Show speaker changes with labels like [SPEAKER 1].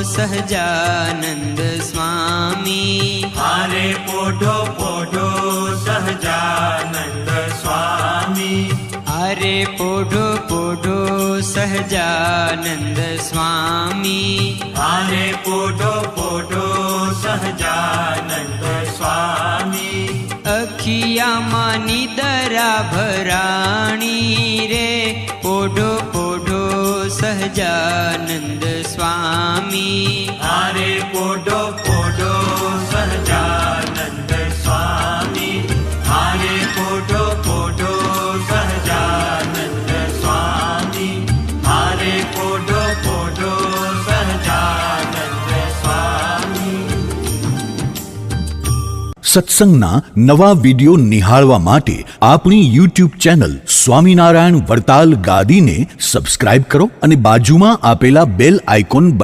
[SPEAKER 1] સહજાનંદ સ્વામી.
[SPEAKER 2] હારે પોઢો પોઢો સહજાનંદ સ્વામી.
[SPEAKER 1] હારે પોઢો પોઢો સહજાનંદ સ્વામી.
[SPEAKER 2] હારે પોઢો પોઢો સહજાનંદ સ્વામી.
[SPEAKER 1] અખિયામાં નિદરા ભરાણી રે, પોઢો પોઢો સહજાનંદ સ્વામી.
[SPEAKER 2] હારે પોઢો પોઢો સહજાનંદ સ્વામી. હારે પોઢો પોઢો સહજાનંદ સ્વામી. હારે પોઢો પોઢો સહજાનંદ સ્વામી.
[SPEAKER 3] સત્સંગના નવા વિડીયો નિહાળવા માટે આપણી YouTube ચેનલ સ્વામિનારાયણ વરતાલ ગાદીને સબસ્ક્રાઇબ કરો અને બાજુમાં આપેલા બેલ આઇકોન